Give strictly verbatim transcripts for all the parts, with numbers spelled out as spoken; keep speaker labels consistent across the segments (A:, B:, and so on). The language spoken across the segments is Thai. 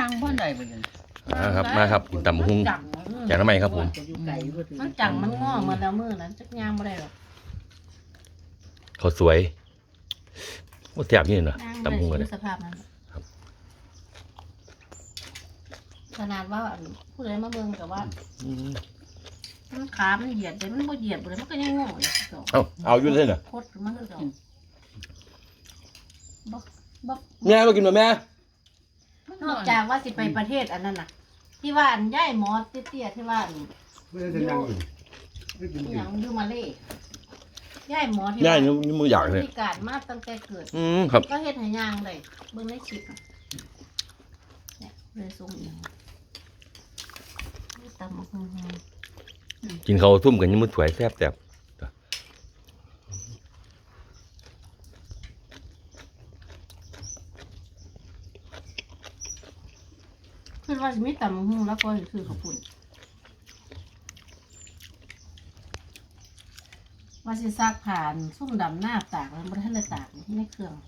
A: งบ้านใดไปเลย
B: ครับมาครับกินตำหุ้งจากน้ำไหมครับผม
C: มันจังมันงอมาแล้วมือนั้นจักย่างไม่ได้หรอก
B: เขาสวยว่าแซ่บนี่เนาะตำหุ้งเลย
C: สภาพนั้นขนาดว่าผู้ใดมาเบิ่งแต่ว่ามันขามันเหยียดเลยมันบ่เหยียดเลยมันก็ยังงอเลย
B: เอาเอาอยู่เลยเหรอ
C: โคตรมันก็บ่บ่
B: แม่มากินมาแม่
C: นอกจากว่าสิไปประเทศอันนั้นน่ะที่ว่าอันย่ายหมอเตี้ยๆที่ว่าอยู่อย่างอยู่มาเลยย่ายหมอที่
B: ย่ายนี่มืออยากเลย
C: พิการมาตั้งแต่เกิด
B: อืมครับ
C: ก็เฮ็ดให้ย่างได้เบิ่งในคลิปเนี่ยเลยส่งอีกตำบักหุ่ง
B: กินข้าวทุ่มกันยังมือสวยแซ่บแซ่บ
C: คือว่าจะมีตำบักหุ่งแล้วก็คือข้าวปุ้นว่าสิซักผ่านซุ่มดำหน้าตากแล้วบ่ทันได้ตากในเครื่อง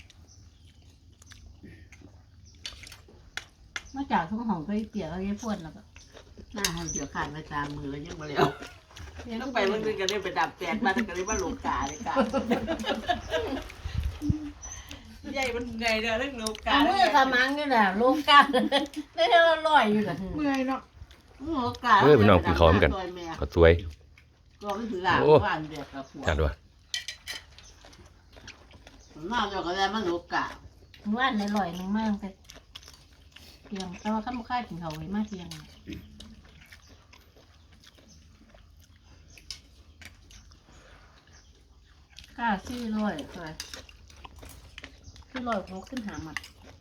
C: มาจากทุ่งหองก็เปียกแล้วยายพ่นแล้วก็
A: หน้าเขาเดี๋ยวขาดไปตามมือแล้วยังมาแล้วต้องไปวันนึงก็ได้ไปดับแปดมาแต่ก็ได้มาหลงกาเลยกาใหญ่มันไงเด้อเรื่องโลกา
C: เมื่อทำมังนี่แหละโลกาได้เท่าลอยอยู่กัน
A: เมื่อยเนาะโลกา
B: เฮ้ยพี่น้องกินข้าวเหมือนกันก็สวย
A: ก็ไม่ถือหลังว่านเดียกกับหัว
B: จัดว่ะ
A: นอกจากก็ได้มันโลกา
C: ว่านในลอยนึงมากแต่เพียงแต่ว่าข้าวข้าวกินเขาไว้มากเพียงก้าซี่ร้อยเลยขึ้นร้อยเขาขึ้นหามัน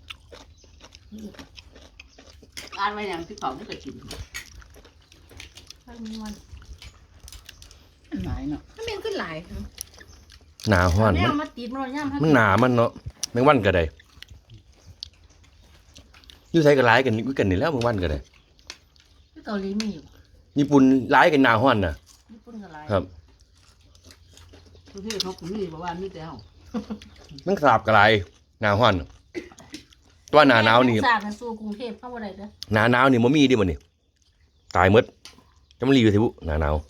A: งานไปอย่างที่เขาไม่เคยกิน
C: ข้าวมีวัน
A: หลายเนาะ
C: ถ้าเป็นขึ้นหลาย
B: หนาห้อน
C: มันมาติดมันย่ำ
B: มันหนามันเนาะแมงวันก็ได้ยูไทยก็ร้ายกันกันนี่แล้วแมงวันก็ได้
C: ที่เกาหลีมีอยู่
B: ญี่ปุ่นร้ายกันหนาห้อนนะ
C: ญี่ปุ่นก็ร้าย
B: ครับ
A: ประเทศเขาไม่บอกว่ามีแต่เขา
B: มันสาบกระไรหนาห้อนตัวหนาหนาวนี่
C: สาบสู่กรุงเทพเข้ามาได้เด้อ
B: หนาหนาวนี่มันมีดิมันนี่ตายมดจะมารีอยู่ที่บุหนาหนาว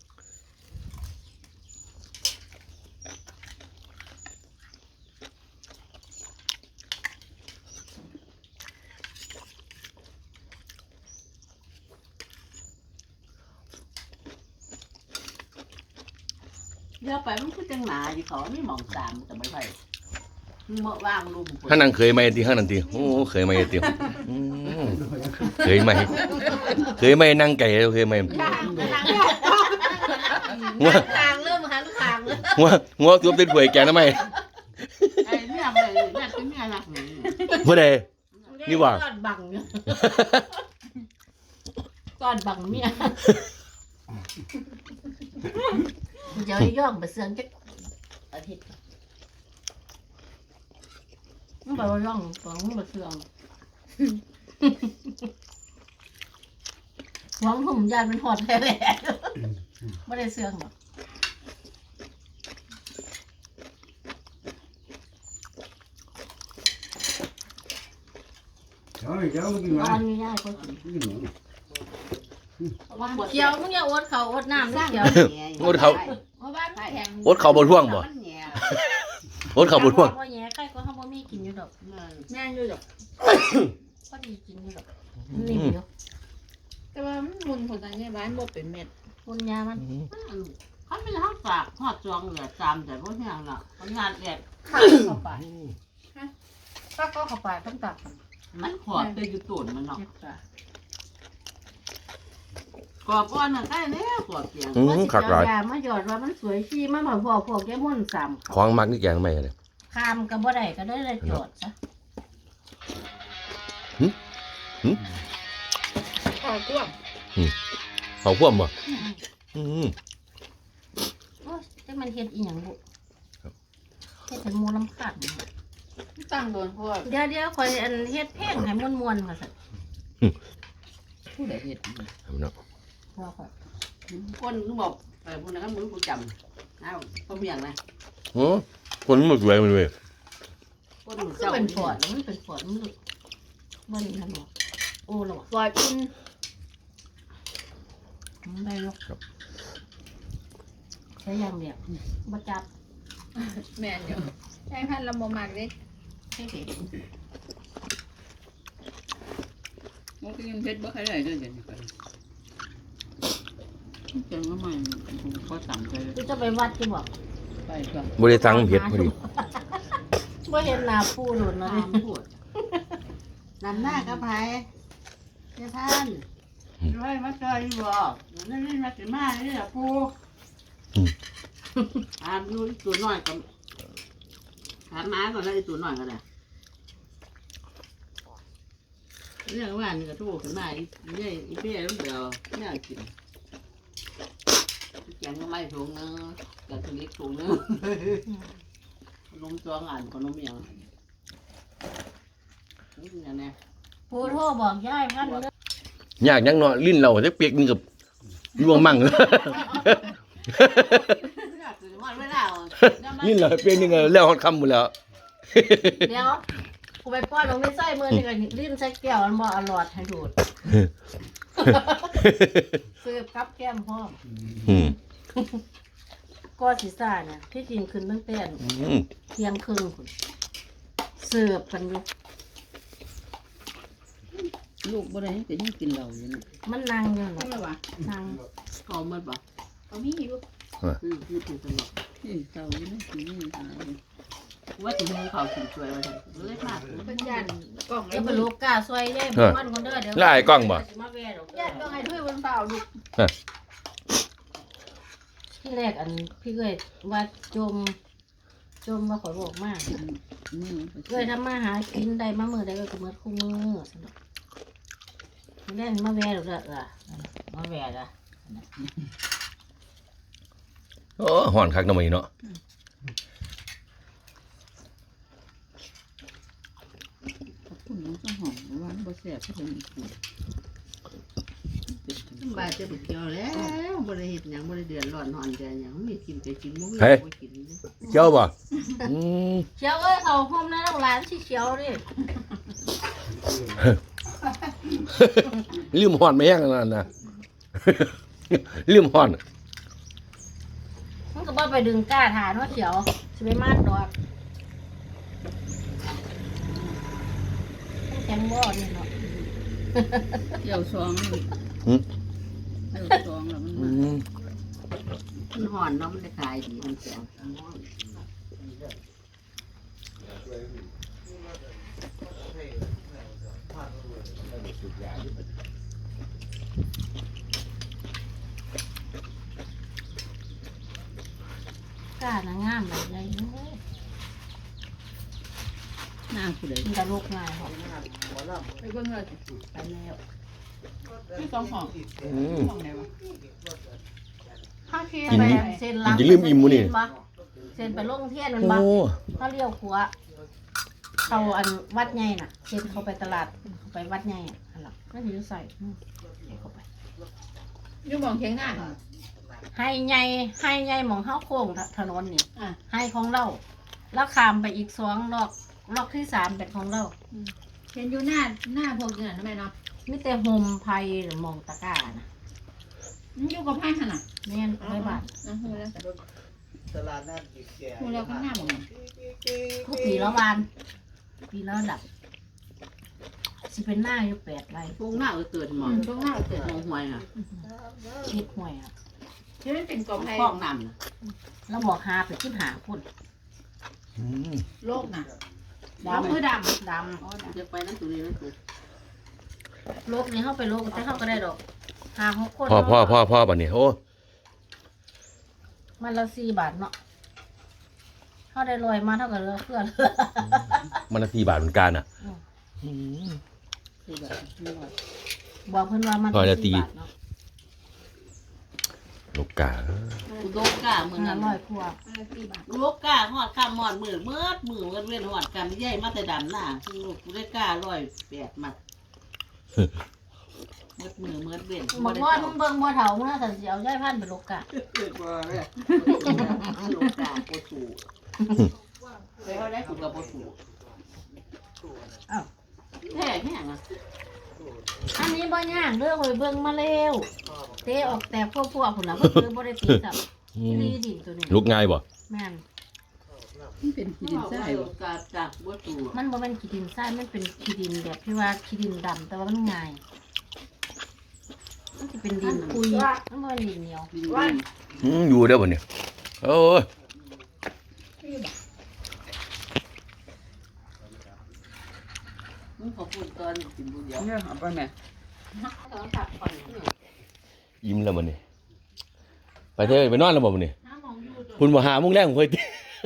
A: เดี๋ยวไปมันคือจังหนาอยู่เขาไม่มองตามแต่ไม่ไปเมื่อว่างลุม
B: ข้างนั้นเคยไหมตีข้างนั้นตีโอ้เคยไหมตีเคยไหมเคยไหมนั่งไก่เคยไหม
C: งัวคางเริ่มหันคางเลย
B: งัวงัวตัวเป็นหวยแกนะไหม
A: ไอ้เนี่ยอะไรเนี่ยเป็นเนี่ยนะ
B: เมื่อใดนี่ว่า
C: ก้อนบังเนี่ยก้อนบังเมียเดี๋ยวย่องไปเสื่องจักอาทิตย์มันไปว่าย่องตอนมันไปเสื่องหวังผมยายเป็นหอดแท้แหละไม่ได้เสื่องหรอกนอนไม่ได้ก็กินเขียวมึงอย่าอดเขาอดน้ำนะเขียว
B: อดเขาอดเขาบนท่วงบ่อดเขาบนท่วง
C: พ่อแย่ใครก็เขาบ่มีกินอยู่ดอกแม่อยู่ดอกก็ดีกินอยู่ดอกนิ่มอยู่
A: แต่ว่ามันมุนผลทางนี้บ้านบ่เป็นเม็ด
C: มุนยามัน
A: เขาไม่ห้ามฝากหอดจองเหลือจามแต่พวกนี้น่ะมันงานแอบ
C: ข้าเข้าไปข้าก็เข้าไปต้องตัด
A: มันขอดไปอยู่ตูนมันเนาะกรอบก้อนน่ะใกล้แล้วกรอบเกียง
B: ขักหลาย
C: มาหยอดว่ามันสวยชีมาเหมือนพวกพวกแก้ม่นสาม
B: ของมักนี่แกงไม่เลย
C: คามกับบ่ได้ก็ได้เลยจอดซะ
B: หืมหืม
C: ข้าวคั่ว
B: ข้าวคั่วบ่อืม
C: โอ้ยแต่มันเฮ็ดอีหยังบุเฮ็ดให้มูลำคัญ
A: ตั้งโดนพวก
C: เดี๋ยวเดี๋ยวคอยอันเฮ็ดเพลงให้ม่วนๆค่ะสัตว์
A: ผู้ใดเฮ็ด
B: เนาะ
C: ว่าค่ะ
A: คนนึกบอกเออพวกนั้นมึงกูจำอ้าวก็เมียงนะ
B: โอ้คนมันสวยมันเลย
C: คนมันเป็นปอดมันเป็นปอดมันมันนี่ทำหรอโอ้หรอปล่อยกินไม่หรอกใช้อย่างเดียวมาจับ
D: แม่นอยู่ใช่พันธุ์ละโมมากเลย
C: ให้เด็ก
A: มันก็ยังเพชรบ่ใครได้ด้วยกันไปเจังก็ไม่เขาสั่งไป
C: กูจะไปวัดที่บอก
A: ไปก็
B: บ่ได้สั่งเผ็ดพอดี
C: บ่เห็นหน้าผู้หลุดเนาะ
A: ตามพูดนำหน้ากับไผ่เจ้าท่านร้อยมาจอยบอกนั่นนี่มาถึงมานี่แหละปูถามอยู่ตัวน้อยกับถามม้าก่อนแล้วไอ้ตัวน้อยก็ได้เรื่องว่านี่ก็ถูกขึ้นมาอีเนี่ยอีเปี้ยลูกเดียวน่ากินแกงก็ไม่ถุงนึงแกงเล็กถุงนึงนมตัวงานขนมอย่างนี่อย่างนี้
C: ผู้โทรบอกยายพันเลย
B: ยากยังเนาะลิ้นเราจักเปียกนึงกับลวงมั่ง ลิ้นเราเปียกนึงแล้วฮอดค่ำหมดแล้ว
C: เดี๋ยวกูไปป้อนลงในไส้มือนี่กันลิ้นใส่แก้วมันบ่อร่อยให้ดูดเสิร์ฟกับแก้มพร้อม
B: อืม
C: ก็สิซ่าเนี่ยที่จริงขึ้นตั้งแต่
B: อืม
C: เที่ยงครึ่งพุ่นเสิร์ฟกันอยู่
A: ลูกบ่ได้แต่ยังกินเหล้าอยู่นะ
C: มันนั่งอยู่
D: ทำไม
C: เนาะ
D: วะ
C: นั่ง
A: เขาหมดบ่
D: เขามีอยู่
A: คือคือถูกตลอดนี่เจ้าอยู่นะกินนี่ตายว่าถึงเขากินช่วยว่าไงเล็กมาก
D: เป็นยันกล่อง
C: จะ
D: ไอ้
C: ไป
D: บุ
C: ลู
D: ลู
C: ก
D: ก
C: กาซอยยายบ้านคนเด้อเดี๋ยว
B: แล้วไอ้กล้องบ่
C: สิมาแว่ดอก
D: ยันกล่องไอ้ถ้วยบนเปล่าลูก
C: ที่แรกอันพี่เอ้ยว่าจม จมว่าขอบอกมากเอ้ยทำมาหากินได้มามือได้ก็มือคู่มือสนุกเล่นมาแว่ดอกเด้อเออมาแว่ดอ่ะ
B: โอ้ฮ้อนคักเนาะมื้อนี้เนาะ
A: คุณน้องก็หอมว่าบ่แซ่บที่เพิ่นกินบาดจะบ่เกี่ยวแล้วบ่ได้เฮ็ดหยังบ่ได้เดือดร้อนนอนใจหยังมีกินก็กินบ่มีบ่กิน
B: เจียวบ่อืม
C: เชียวเอ้ยเขาห้องน้ำร้านที่เชียวดิ
B: ลืมฮ้อนมาแห้งนั่นน่ะ ลืมฮ้อน
C: มันก็บ่ไปดึงก้าฐานว่าเชียวสิไปมาดดอกแข็งบ่นี่เนาะ
A: เกี่ยวซอง
B: หืม
A: เกี่ยวซองแล้วมัน
B: อืม
A: มันห่อนเนาะมันจะขายดีมันแซ่บ
C: ก้าน่ะงามแบบใหญ่เอ้ย
A: หน้าผู้ใด
C: มันจะลุกง่ายหรอก
D: ไปเบิ่งเลย
C: ไปแล้ว
A: ที่สองห้อง
B: อืม
A: ห้องไหนวะ
C: ข้าเทียน
B: กิน
C: ไป
B: นี่
C: เส้นหลัง
B: กินจะลืมอิ่มมื้อนี่
C: เส้นไปลงเทียนมัน
B: โอ้
C: บ่เขาเลี้ยวขวาเขาอันวัดใหญ่น่ะเส้นเขาไปตลาดเขาไปวัดใหญ่อ่ะอันหลังก็อยู่ใส่อืมให้เขาไป
D: อยู่มองเคียงหน้า
C: ให้ใหญ่ให้ใหญ่หมองเฮาโค้งถนนนี่
D: อ่ะ
C: ให้ของเราแล้วข้ามไปอีกสองลอกลอกที่สามเป็นของเรา
D: เห็นอยู่หน้าหน้าพวกเนี่ยทำไมเนาะ
C: มีแต่โฮมไพหรือหมองตะกร้านะ
D: มันอยู่กับไพ่ขนาด
C: แม่นไปบ้าน
D: นะฮู้แล้ว
E: ตลาดนัดอีกแก่
D: ฮู้แล้วข้างหน้าบ่ง
C: ทุกปีละวานปีละดับสิเป็นหน้าอยู่แปดไร
A: พวกหน้าก็เกิดหมอ
D: อืมตรงหน้าเกิด
A: มองหวยอ่ะ
C: คิดห่วยอ่ะ
D: ที่มันเป็นกล่องไพ่
A: ห้องน้ำนะ
C: แล้วบอกหาไปคิดหาคน
B: อืม
D: โลกน่ะ
C: ดำ
D: มือด
C: ด
A: จะไปนั่นตัวนี้นั่นตัว
C: ำโลกนี้เข้าไปโลกแต่เข้าก็ได้ดอกหาหกคน
B: พ่อพ่อพ่อพ่อบัดนี้โอ้
C: มันละสี่บาทเนาะเข้าได้ลอยมาเท่ากับเรือเพื่อน
B: มันละสี่บาทเหมือนกันอ่ะอืม
A: คือแบบไม่ไหว
C: บอกเพื่อนว่ามัน
B: ร้อยละตี
C: สี่บาทเนาะ
B: ลูกกา
A: โลกาเมือง
C: ห้า
A: นั้น
C: ร้อยพวง
D: ำอะไรสี่บาท
A: โลกาหอดข้ามหอดมือเมื่อมือเว้นเว้นหอดกันใหญ่มาแต่ดำหน้าลูกได้การ้อยแปดมัดเมื่อมือเมื่อเว้น
C: บอกว่ามึงเบิ่งบ่เฒ่ามึงน่าจะสิเอาย่ายพันธุ์ไปโลกกะ
A: เกิดบ่เลยโลกาโคตูไปเขาได้ถูกกับโคตู
C: อ้าว
A: แท้แห้งอ่ะ
C: นี้บ่ย่างเด้อข่อยเบิ่งมาแล้วเตะออกแต่พวกพวกพุ่นน่ะเพิ่นบ่ได้ตีสับ
B: อื
C: นี่
B: ม
C: ดิตัวนี้
B: ลุกง่ายบ่
C: แม่น
F: มันเป็นขี้ดินทรายบ่
A: กาจากบัวตู
C: มันบ่แม่นขี้ดินทรายมันเป็นขี้ดินแบบที่ว่าขี้ดินดำแต่ว่ามันง่ายมันสิเป็นดินปุยมันบ่แม่นดินเหนียว
B: อืมอยู่เด้อบ่เนี่ยโอ้ย
A: มึงขอพูดตอนกินบุญเดียว
F: เนี่ยเอาไปแม่
C: ต้องพักผ่อน
B: ยิ้มแล้วบ่เนี่ยไปเถอะไปนอนแล้วบ่บ่เนี่ย
C: น้ำมองอยู่ตัว
B: คุณบ่หาโมงแรงผมค่อยติ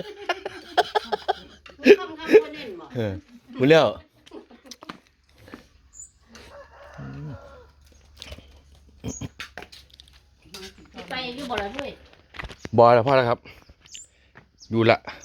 C: คำคำบ่เน้นบ่
B: เออคุณแล้ว
C: ไปอยู่บ่ล่ะด้วย
B: บ่แล้วพอแล้วครับ อยู่ละ